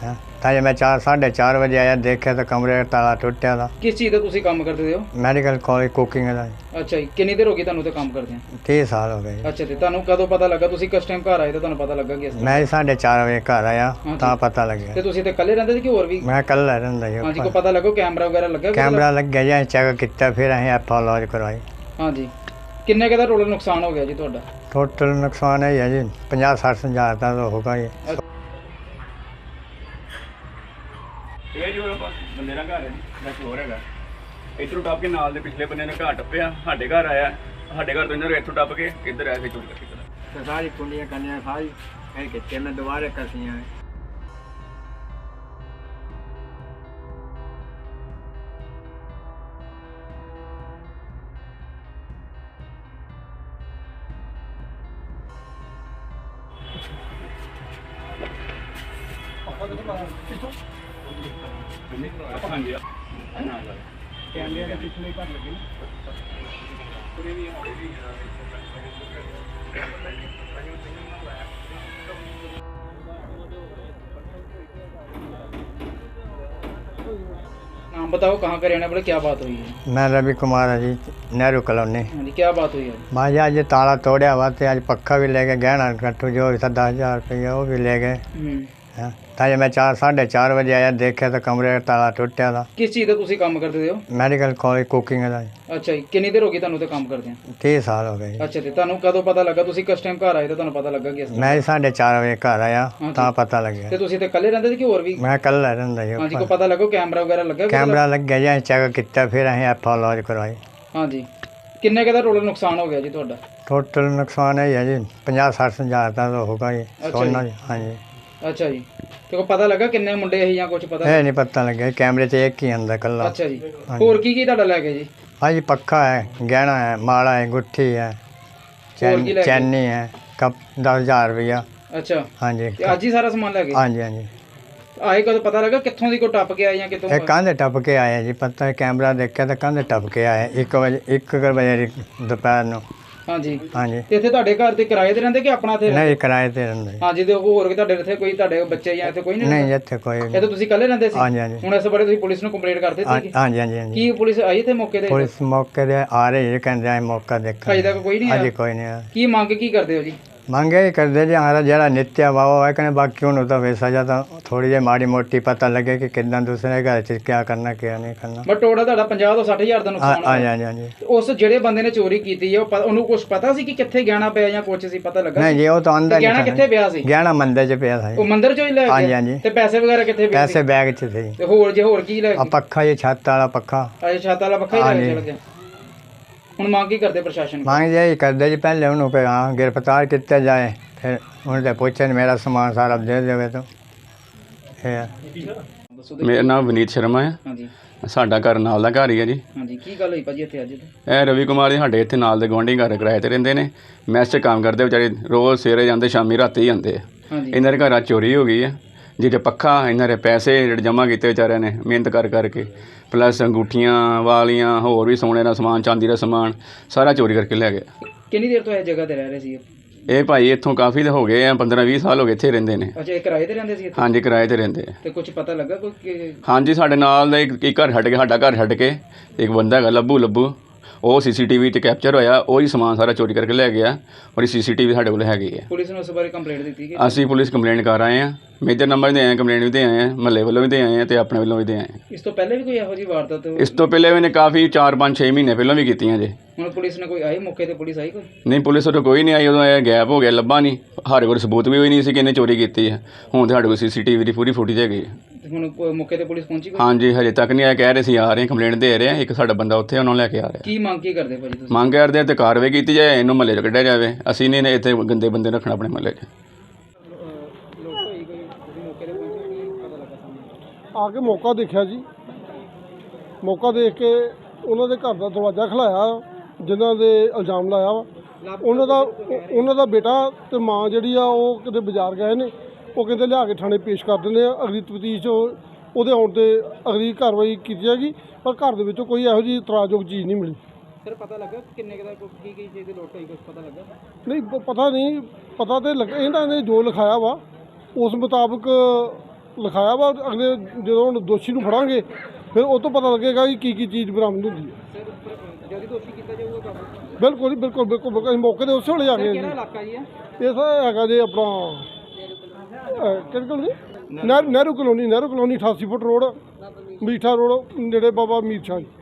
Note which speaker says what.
Speaker 1: ਤਾਂ ਜੇ ਮੈਂ 4:30 ਵਜੇ ਆਇਆ ਦੇਖਿਆ ਤਾਂ ਕਮਰੇ ਦਾ ਤਾਲਾ ਟੁੱਟਿਆ ਦਾ।
Speaker 2: ਕਿਸ ਚੀਜ਼ ਦਾ ਤੁਸੀਂ ਕੰਮ ਕਰਦੇ ਹੋ?
Speaker 1: ਮੈਡੀਕਲ ਕਾਲਜ ਕੁਕਿੰਗ ਦਾ।
Speaker 2: ਅੱਛਾ ਜੀ, ਕਿੰਨੀ ਦੇਰ ਹੋ ਗਈ ਤੁਹਾਨੂੰ ਤੇ ਕੰਮ ਕਰਦੇ ਆ?
Speaker 1: 30 ਸਾਲ ਹੋ ਗਏ ਜੀ।
Speaker 2: ਅੱਛਾ, ਤੇ ਤੁਹਾਨੂੰ ਕਦੋਂ ਪਤਾ ਲੱਗਾ? ਤੁਸੀਂ ਕਿਸ ਟਾਈਮ ਘਰ ਆਏ ਤਾਂ ਤੁਹਾਨੂੰ ਪਤਾ ਲੱਗਾ ਕਿ ਇਸ ਤਰ੍ਹਾਂ?
Speaker 1: ਮੈਂ 4:30 ਵਜੇ ਘਰ ਆਇਆ
Speaker 2: ਹਾਂਜੀ।
Speaker 1: ਤਾਂ ਪਤਾ ਲੱਗਿਆ।
Speaker 2: ਤੇ ਤੁਸੀਂ ਤੇ ਇਕੱਲੇ ਰਹਿੰਦੇ ਸੀ ਕਿ ਹੋਰ ਵੀ?
Speaker 1: ਮੈਂ ਇਕੱਲਾ ਰਹਿੰਦਾ ਜੀ।
Speaker 2: ਹਾਂਜੀ, ਕੋਈ ਪਤਾ ਲੱਗੋ ਕੈਮਰਾ ਵਗੈਰਾ ਲੱਗਾ?
Speaker 1: ਕੈਮਰਾ ਲੱਗਿਆ ਜੀ, ਚੈੱਕ ਕੀਤਾ, ਫਿਰ ਅਸੀਂ ਐਫ ਲੌਜ ਕਰਵਾਈ।
Speaker 2: ਹਾਂਜੀ, ਕਿੰਨੇ ਕੁ ਦਾ ਟੋਟਲ ਨੁਕਸਾਨ ਹੋ ਗਿਆ ਜੀ ਤੁਹਾਡਾ?
Speaker 1: ਟੋਟਲ ਨੁਕਸਾਨ ਇਹ ਹੈ ਜੀ 50-60 ਹਜ਼ਾਰ ਦਾ ਤਾਂ ਹੋਊਗਾ ਜੀ।
Speaker 3: ਇਹ ਜੀ ਉਹ ਬੰਦੇ ਦਾ ਘਰ ਹੈ ਜੀ, ਬਸ ਹੋਰ ਹੈਗਾ। ਇੱਧਰੋਂ ਟੱਪ ਕੇ ਨਾਲ ਦੇ ਪਿਛਲੇ ਬੰਦੇ ਨੇ ਘਰ ਟੱਪਿਆ, ਸਾਡੇ ਘਰ ਆਇਆ। ਸਾਡੇ ਘਰ ਤੋਂ ਇਹਨਾਂ ਨੂੰ ਇੱਥੋਂ ਟੱਪ ਕੇ ਇੱਧਰ ਆਇਆ, ਫਿਰ ਚੋਰੀ ਕਰਕੇ ਚਲਾ।
Speaker 1: ਸਾਰੀ ਕੁੰਡੀਆਂ ਕੰਨੀਆਂ ਸਾਰੀ ਫਿਰ ਕਿਤੇ ਮੈਂ ਦੁਬਾਰਾ ਕਸੀਆਂ।
Speaker 3: ਹਾਂਜੀ
Speaker 1: ਕੈਮਰੇ ਦੇ ਪਿਛਲੇ ਘਰ ਲੱਗੇ ਨਾ।
Speaker 2: नाम बताओ, कहाँ का रहने वाले, क्या बात हुई है?
Speaker 1: मैं रवि कुमार है जी, नेहरू कॉलोनी।
Speaker 2: हाँ जी, क्या बात हुई है?
Speaker 1: भाई आज ताला तोड़िया हुआ तो आज पक्खा भी ले गए, गहना कट्टू जो भी था 10,000 रुपये वो भी ले गए। हैं ਤਾਂ ਜੇ ਮੈਂ 4:30 ਵਜੇ ਆਇਆ ਦੇਖਿਆ ਤਾਂ ਕਮਰੇ ਦਾ ਤਾਲਾ ਟੁੱਟਿਆ ਦਾ।
Speaker 2: ਕਿਸ ਚੀਜ਼ ਦਾ ਤੁਸੀਂ ਕੰਮ ਕਰਦੇ ਹੋ?
Speaker 1: ਮੈਡੀਕਲ ਕਾਲਜ ਕੁਕਿੰਗ ਦਾ।
Speaker 2: ਅੱਛਾ ਜੀ, ਕਿੰਨੀ ਦੇਰ ਹੋ ਗਈ ਤੁਹਾਨੂੰ ਤੇ ਕੰਮ ਕਰਦੇ ਆ?
Speaker 1: 30 ਸਾਲ ਹੋ ਗਏ ਜੀ।
Speaker 2: ਅੱਛਾ, ਤੇ ਤੁਹਾਨੂੰ ਕਦੋਂ ਪਤਾ ਲੱਗਾ? ਤੁਸੀਂ ਕਿਸ ਟਾਈਮ ਘਰ ਆਏ ਤਾਂ ਤੁਹਾਨੂੰ ਪਤਾ ਲੱਗਾ ਕਿ ਇਸ ਤਰ੍ਹਾਂ?
Speaker 1: ਮੈਂ 4:30 ਵਜੇ ਘਰ ਆਇਆ
Speaker 2: ਹਾਂਜੀ।
Speaker 1: ਤਾਂ ਪਤਾ ਲੱਗਿਆ।
Speaker 2: ਤੇ ਤੁਸੀਂ ਤੇ ਇਕੱਲੇ ਰਹਿੰਦੇ ਸੀ ਕਿ ਹੋਰ ਵੀ?
Speaker 1: ਮੈਂ ਇਕੱਲਾ ਰਹਿੰਦਾ ਜੀ।
Speaker 2: ਹਾਂਜੀ, ਕੋਈ ਪਤਾ ਲੱਗੋ ਕੈਮਰਾ ਵਗੈਰਾ ਲੱਗਾ?
Speaker 1: ਕੈਮਰਾ ਲੱਗਿਆ ਜੀ, ਚੈੱਕ ਕੀਤਾ, ਫਿਰ ਅਸੀਂ ਐਫ ਲੌਜ ਕਰਵਾਈ।
Speaker 2: ਹਾਂਜੀ, ਕਿੰਨੇ ਕੁ ਦਾ ਟੋਟਲ ਨੁਕਸਾਨ ਹੋ ਗਿਆ ਜੀ ਤੁਹਾਡਾ?
Speaker 1: ਟੋਟਲ ਨੁਕਸਾਨ ਇਹ ਹੈ ਜੀ 50-60 ਹਜ਼ਾਰ ਦਾ ਤਾਂ ਹੋਊਗਾ ਜੀ। ਸੋਨਾ ਜੀ। ਹਾਂਜੀ।
Speaker 2: ਅੱਛਾ ਜੀ, ਤੇ ਕੋਈ ਪਤਾ ਲੱਗਾ ਕਿੰਨੇ ਮੁੰਡੇ ਇਹ ਜਾਂ ਕੁਝ ਪਤਾ?
Speaker 1: ਇਹ ਨਹੀਂ ਪਤਾ ਲੱਗਿਆ, ਕੈਮਰੇ 'ਚ ਇੱਕ ਹੀ ਆਂਦਾ ਇਕੱਲਾ।
Speaker 2: ਅੱਛਾ ਜੀ,
Speaker 1: ਹਾਂਜੀ।
Speaker 2: ਹੋਰ ਕੀ ਕੀ ਤੁਹਾਡਾ ਲੈ ਗਏ ਜੀ?
Speaker 1: ਹਾਂਜੀ, ਪੱਖਾ ਹੈ, ਗਹਿਣਾ ਹੈ, ਮਾਲਾ ਹੈ, ਗੁੱਠੀ ਹੈ,
Speaker 2: ਹੋਰ ਕੀ ਲੈ ਗਏ?
Speaker 1: ਚੈਨੀ ਹੈ, ਕੱਪ 10,000 ਰੁਪਇਆ।
Speaker 2: ਅੱਛਾ,
Speaker 1: ਹਾਂਜੀ।
Speaker 2: ਤੇ ਅੱਜ ਹੀ ਸਾਰਾ ਸਮਾਨ ਲੈ ਗਏ?
Speaker 1: ਹਾਂਜੀ ਹਾਂਜੀ।
Speaker 2: ਆਏ ਕਦੋਂ ਪਤਾ ਲੱਗਾ ਕਿੱਥੋਂ ਦੀ ਕੋਈ ਟੱਪ ਕੇ ਆਏ ਜਾਂ ਕਿਤੋਂ?
Speaker 1: ਇਹ ਕੰਧ ਟੱਪ ਕੇ ਆਏ ਜੀ, ਪਤਾ ਕੈਮਰਾ ਦੇਖਿਆ ਤਾਂ ਕੰਧ ਟੱਪ ਕੇ ਆਏ 1 ਵਜੇ ਦੁਪਹਿਰ ਨੂੰ।
Speaker 2: ਹਾਂਜੀ।
Speaker 1: ਹਾਂਜੀ।
Speaker 2: ਤੇ ਇੱਥੇ ਤੁਹਾਡੇ ਘਰ ਤੇ ਕਿਰਾਏ ਤੇ ਰਹਿੰਦੇ ਕਿ ਆਪਣਾ ਇੱਥੇ?
Speaker 1: ਨਹੀਂ, ਕਿਰਾਏ ਤੇ ਰਹਿੰਦੇ ਜੀ।
Speaker 2: ਹਾਂਜੀ, ਤੇ ਹੋਰ ਵੀ ਤੁਹਾਡੇ ਇੱਥੇ ਕੋਈ ਤੁਹਾਡੇ ਬੱਚੇ ਜਾਂ ਇੱਥੇ ਕੋਈ ਨਹੀਂ?
Speaker 1: ਨਹੀਂ, ਇੱਥੇ ਕੋਈ
Speaker 2: ਇਹ ਤਾਂ ਤੁਸੀਂ ਇਕੱਲੇ ਰਹਿੰਦੇ ਸੀ?
Speaker 1: ਹਾਂਜੀ ਹਾਂਜੀ।
Speaker 2: ਹੁਣ ਇਸ ਬਾਰੇ ਤੁਸੀਂ ਪੁਲਿਸ ਨੂੰ ਕੰਪਲੇਂਟ ਕਰ ਦਿੱਤੀ?
Speaker 1: ਹਾਂਜੀ ਹਾਂਜੀ ਹਾਂਜੀ।
Speaker 2: ਕੀ ਪੁਲਿਸ ਆਈ ਇੱਥੇ ਮੌਕੇ ਤੇ?
Speaker 1: ਪੁਲਿਸ ਮੌਕੇ ਤੇ ਆ ਰਹੀ ਹੈ, ਕਹਿੰਦੇ ਆ ਮੌਕਾ ਦੇਖਾਂ।
Speaker 2: ਅਜੇ ਤੱਕ ਕੋਈ ਨਹੀਂ ਆਇਆ?
Speaker 1: ਹਾਂਜੀ, ਕੋਈ ਨਹੀਂ ਆਇਆ।
Speaker 2: ਕੀ ਮੰਗ ਕੀ ਕਰਦੇ ਹੋ ਜੀ?
Speaker 1: ਮੰਗੇ ਹੀ ਕਰਦੇ ਜੀ, ਹਮਾਰਾ ਜਿਹੜਾ ਨਿੱਤਿਆ ਵਾਵਾ ਹੈ ਕਹਿੰਦੇ, ਬਾਕੀ ਉਹਨੂੰ ਤਾਂ ਵੈਸਾ ਜਾਂ ਤਾਂ ਥੋੜੀ ਜਿਹੀ ਮਾੜੀ ਮੋਟੀ ਪਤਾ ਲੱਗੇ ਕਿ ਕਿੱਦਾਂ ਦੂਸਰੇ ਘਰ 'ਚ ਕੀ ਕਰਨਾ ਕੀ ਨਹੀਂ ਕਰਨਾ।
Speaker 2: ਬਟ ਟੋਟਲ ਤੁਹਾਡਾ 50 ਤੋਂ 60 ਹਜ਼ਾਰ ਦਾ ਨੁਕਸਾਨ
Speaker 1: ਹਾਂਜੀ
Speaker 2: ਹੋਇਆ।
Speaker 1: ਹਾਂਜੀ ਹਾਂਜੀ।
Speaker 2: ਤੇ ਉਸ ਜਿਹੜੇ ਬੰਦੇ ਨੇ ਚੋਰੀ ਕੀਤੀ ਹੈ ਉਹਨੂੰ ਕੁਝ ਪਤਾ ਸੀ ਕਿ ਕਿੱਥੇ ਗਹਿਣਾ ਪਿਆ ਜਾਂ ਕੁਝ ਸੀ ਪਤਾ ਲੱਗਾ?
Speaker 1: ਨਹੀਂ ਜੀ, ਉਹ ਤਾਂ ਆਂਦਾ
Speaker 2: ਗਹਿਣਾ
Speaker 1: ਨਹੀਂ।
Speaker 2: ਕਿੱਥੇ ਪਿਆ ਸੀ?
Speaker 1: ਗਹਿਣਾ ਮੰਦਰ 'ਚ ਪਿਆ ਸੀ।
Speaker 2: ਉਹ ਮੰਦਿਰ ਚੋਂ ਹੀ ਲੈ
Speaker 1: ਹਾਂਜੀ
Speaker 2: ਗਿਆ?
Speaker 1: ਹਾਂਜੀ।
Speaker 2: ਤੇ ਪੈਸੇ ਵਗੈਰਾ ਕਿੱਥੇ ਪਏ ਸੀ?
Speaker 1: ਪੈਸੇ ਬੈਗ 'ਚ ਸੀ।
Speaker 2: ਤੇ ਹੋਰ ਕੀ ਲੈ
Speaker 1: ਆ
Speaker 2: ਗਏ?
Speaker 1: ਪੱਖਾ ਜੀ, ਛੱਤ ਵਾਲਾ ਪੱਖਾ।
Speaker 2: ਅਜੇ ਛੱਤ ਵਾਲਾ ਪੱਖਾ ਹੀ ਲੈ ਕੇ
Speaker 1: ਹਾਂਜੀ।
Speaker 2: ਚਲ ਗਿਆ। ਹੁਣ ਮੰਗ ਕੀ ਕਰਦੇ ਪ੍ਰਸ਼ਾਸਨ ਕੋਲ?
Speaker 1: ਮੰਗ ਜੀ ਕਰਦੇ ਜੀ, ਪਹਿਲੇ ਉਹਨੂੰ ਕਿ ਹਾਂ ਗ੍ਰਿਫਤਾਰ ਕੀਤਾ ਜਾਏ, ਫਿਰ ਉਹਨੂੰ ਤੇ ਪੁੱਛਣ ਮੇਰਾ ਸਮਾਨ ਸਾਰਾ ਦੇ ਦੇਵੇ ਤਾਂ ਇਹ।
Speaker 2: ਦੱਸੋ ਤੇ।
Speaker 3: ਮੇਰਾ ਨਾਮ ਵਿਨੀਤ ਸ਼ਰਮਾ ਹੈ।
Speaker 2: ਹਾਂਜੀ
Speaker 3: ਸਾਡਾ ਘਰ ਨਾਲ ਦਾ ਘਰ ਹੀ ਹੈ ਜੀ।
Speaker 2: ਹਾਂਜੀ, ਕੀ ਗੱਲ ਹੋਈ ਭਾਜੀ ਇੱਥੇ ਅੱਜ?
Speaker 3: ਇਹ ਰਵੀ ਕੁਮਾਰ ਜੀ ਸਾਡੇ ਇੱਥੇ ਨਾਲ ਦੇ ਗੁਆਂਢੀ ਘਰ ਕਿਰਾਏ ਤੇ ਰਹਿੰਦੇ ਨੇ। ਮੈਸ 'ਚ ਕੰਮ ਕਰਦੇ ਵਿਚਾਰੇ, ਰੋਜ਼ ਸਵੇਰੇ ਜਾਂਦੇ, ਸ਼ਾਮੀ ਰਾਤੀ ਜਾਂਦੇ ਆ।
Speaker 2: ਹਾਂਜੀ।
Speaker 3: ਇਹਨਾਂ ਦੇ ਘਰਾਂ ਚੋਰੀ ਹੋ ਗਈ ਹੈ। ਜਿਹਦੇ ਪੱਖਾ, ਇਹਨਾਂ ਦੇ ਪੈਸੇ ਜਿਹੜੇ ਜਮ੍ਹਾਂ ਕੀਤੇ ਵਿਚਾਰਿਆਂ ਨੇ ਮਿਹਨਤ ਕਰ ਕਰਕੇ, ਪਲੱਸ ਅੰਗੂਠੀਆਂ ਵਾਲੀਆਂ, ਹੋਰ ਵੀ ਸੋਨੇ ਦਾ ਸਮਾਨ, ਚਾਂਦੀ ਦਾ ਸਮਾਨ, ਸਾਰਾ ਚੋਰੀ ਕਰਕੇ ਲੈ ਗਏ।
Speaker 2: ਕਿੰਨੀ ਦੇਰ ਤੋਂ ਇਹ ਜਗ੍ਹਾ ਤੇ ਰਹਿ ਰਹੇ ਸੀ?
Speaker 3: ਇਹ ਭਾਈ ਇੱਥੋਂ ਕਾਫੀ ਹੋ ਗਏ ਆ, 15-20 ਸਾਲ ਹੋ ਗਏ ਇੱਥੇ ਰਹਿੰਦੇ ਨੇ।
Speaker 2: ਅੱਛਾ, ਇਹ ਕਿਰਾਏ ਤੇ ਰਹਿੰਦੇ ਸੀ ਇੱਥੇ?
Speaker 3: ਹਾਂਜੀ, ਕਿਰਾਏ ਤੇ ਰਹਿੰਦੇ ਆ।
Speaker 2: ਤੇ ਕੁਝ ਪਤਾ ਲੱਗਾ ਕੋਈ?
Speaker 3: ਹਾਂਜੀ, ਸਾਡੇ ਨਾਲ ਦਾ ਇੱਕ ਘਰ ਛੱਡ ਕੇ, ਸਾਡਾ ਘਰ ਛੱਡ ਕੇ ਇੱਕ ਬੰਦਾ ਹੈਗਾ ਲੱਭੂ, ਉਹ CCTV 'ਤੇ ਕੈਪਚਰ ਹੋਇਆ, ਉਹ ਹੀ ਸਮਾਨ ਸਾਰਾ ਚੋਰੀ ਕਰਕੇ ਲੈ ਗਿਆ। ਔਰ ਇਹ CCTV ਸਾਡੇ ਕੋਲ ਹੈਗੀ ਹੈ।
Speaker 2: ਪੁਲਿਸ ਨੂੰ ਉਸ ਬਾਰੇ ਕੰਪਲੇਂਟ ਦਿੱਤੀ?
Speaker 3: ਅਸੀਂ ਪੁਲਿਸ ਕੰਪਲੇਂਟ ਕਰ ਆਏ ਹਾਂ, ਮੇਜਰ ਨੰਬਰ ਦੇ ਆਏ, ਕੰਪਲੇਂਟ ਵੀ ਦੇ ਆਏ ਹਾਂ, ਮਹੱਲੇ ਵੱਲੋਂ ਵੀ ਦੇ ਆਏ ਹਾਂ ਅਤੇ ਆਪਣੇ ਵੱਲੋਂ ਵੀ ਦੇ ਆਏ ਹਾਂ।
Speaker 2: ਇਸ ਤੋਂ ਪਹਿਲੇ ਵੀ ਕੋਈ ਇਹੋ ਜਿਹੀ ਵਾਰਦਾਤ?
Speaker 3: ਇਸ ਤੋਂ ਪਹਿਲੇ ਵੀ ਨੇ ਕਾਫੀ 4-5-6 ਮਹੀਨੇ ਪਹਿਲਾਂ ਵੀ ਕੀਤੀਆਂ ਜੇ।
Speaker 2: ਹੁਣ ਪੁਲਿਸ ਨੇ ਕੋਈ ਆਈ ਮੌਕੇ ਤੇ? ਪੁਲਿਸ ਆਈ ਕੋਈ?
Speaker 3: ਨਹੀਂ, ਪੁਲਿਸ ਉਦੋਂ ਕੋਈ ਨਹੀਂ ਆਈ, ਉਦੋਂ ਇਹ ਗੈਪ ਹੋ ਗਿਆ, ਲੱਭਾ ਨਹੀਂ। ਸਾਡੇ ਕੋਲ ਸਬੂਤ ਵੀ ਹੋਈ ਨਹੀਂ ਸੀ ਕਿ ਇਹਨੇ ਚੋਰੀ ਕੀਤੀ ਹੈ। ਹੁਣ ਸਾਡੇ ਕੋਲ CCTV ਦੀ ਪੂਰੀ ਫੁਟੇਜ ਹੈਗੀ ਹੈ।
Speaker 2: ਤੇ ਹੁਣ ਮੌਕੇ ਤੇ ਪੁਲਿਸ ਪਹੁੰਚੀ ਕੋਈ?
Speaker 3: ਹਾਂਜੀ, ਹਜੇ ਤੱਕ ਨਹੀਂ ਆਇਆ, ਕਹਿ ਰਹੇ ਸੀ ਆ ਰਹੇ, ਕੰਪਲੇਂਟ ਦੇ ਰਹੇ ਆ। ਇੱਕ ਸਾਡਾ ਬੰਦਾ ਉੱਥੇ ਉਹਨਾਂ ਨੂੰ ਲੈ ਕੇ ਆ ਰਿਹਾ।
Speaker 2: ਕੀ ਮੰਗ ਕੀ ਕਰਦੇ ਭਾਜੀ ਤੁਸੀਂ?
Speaker 3: ਮੰਗ ਕਰਦੇ ਤੇ ਕਾਰਵਾਈ ਕੀਤੀ ਜਾਏ, ਇਹਨੂੰ ਮਹੱਲੇ 'ਚ ਕੱਢਿਆ ਜਾਵੇ। ਅਸੀਂ ਨਹੀਂ ਇੱਥੇ ਗੰਦੇ ਬੰਦੇ ਰੱਖਣਾ ਆਪਣੇ ਮਹੱਲੇ 'ਚ।
Speaker 4: ਆ ਕੇ ਮੌਕਾ ਦੇਖਿਆ ਜੀ, ਮੌਕਾ ਦੇਖ ਕੇ ਉਹਨਾਂ ਦੇ ਘਰ ਦਾ ਦਰਵਾਜ਼ਾ ਖਲਾਇਆ, ਜਿਨ੍ਹਾਂ ਦੇ ਇਲਜ਼ਾਮ ਲਾਇਆ ਵਾ। ਉਹਨਾਂ ਦਾ ਬੇਟਾ ਤੇ ਮਾਂ ਜਿਹੜੀ ਆ ਉਹ ਕਿਤੇ ਬਾਜ਼ਾਰ ਗਏ ਨੇ, ਉਹ ਕਹਿੰਦੇ ਲਿਆ ਕੇ ਥਾਣੇ ਪੇਸ਼ ਕਰ ਦਿੰਦੇ ਆ। ਅਗਲੀ ਤਫਤੀਸ਼ ਉਹਦੇ ਆਉਣ 'ਤੇ ਅਗਲੀ ਕਾਰਵਾਈ ਕੀਤੀ ਜਾਏਗੀ। ਪਰ ਘਰ ਦੇ ਵਿੱਚੋਂ ਕੋਈ ਇਹੋ ਜਿਹੀ ਇਤਰਾਜ਼ਯੋਗ ਚੀਜ਼ ਨਹੀਂ ਮਿਲੀ।
Speaker 2: ਸਰ, ਪਤਾ ਲੱਗਾ ਕਿੰਨੇ ਦਾ ਕੀ ਚੀਜ਼ ਦੀ ਲੋਟ ਹੋਈ? ਕੁਝ ਪਤਾ ਲੱਗਾ?
Speaker 4: ਨਹੀਂ, ਪਤਾ ਨਹੀਂ, ਪਤਾ ਤੇ ਲੱਗਾ ਇਹਨਾਂ ਨੇ ਜੋ ਲਿਖਾਇਆ ਵਾ ਉਸ ਮੁਤਾਬਕ ਲਿਖਾਇਆ ਵਾ। ਅਗਲੇ ਜਦੋਂ ਹੁਣ ਦੋਸ਼ੀ ਨੂੰ ਫੜਾਂਗੇ ਫਿਰ ਉਹ ਤੋਂ ਪਤਾ ਲੱਗੇਗਾ ਕਿ ਕੀ ਚੀਜ਼ ਬਰਾਮਦ ਹੁੰਦੀ ਹੈ।
Speaker 2: ਜਲਦੀ ਦੋਸ਼ੀ ਕੀਤਾ ਜਾਊਗਾ ਕਾਬੂ।
Speaker 4: ਬਿਲਕੁਲ ਜੀ, ਬਿਲਕੁਲ ਬਿਲਕੁਲ ਬਿਲਕੁਲ। ਅਸੀਂ ਮੌਕੇ 'ਤੇ ਉਸੇ ਵੇਲੇ ਆ ਗਏ ਜੀ।
Speaker 2: ਕਿਹੜਾ ਇਲਾਕਾ ਜੀ
Speaker 4: ਇਹ ਸਰ ਹੈਗਾ ਜੀ ਆਪਣਾ ਕਿਹੜੀ colony? Nehru colony 88 foot road, Meetha road, ਨੇੜੇ ਬਾਬਾ ਮੀਰ ਸ਼ਾਹ ਜੀ।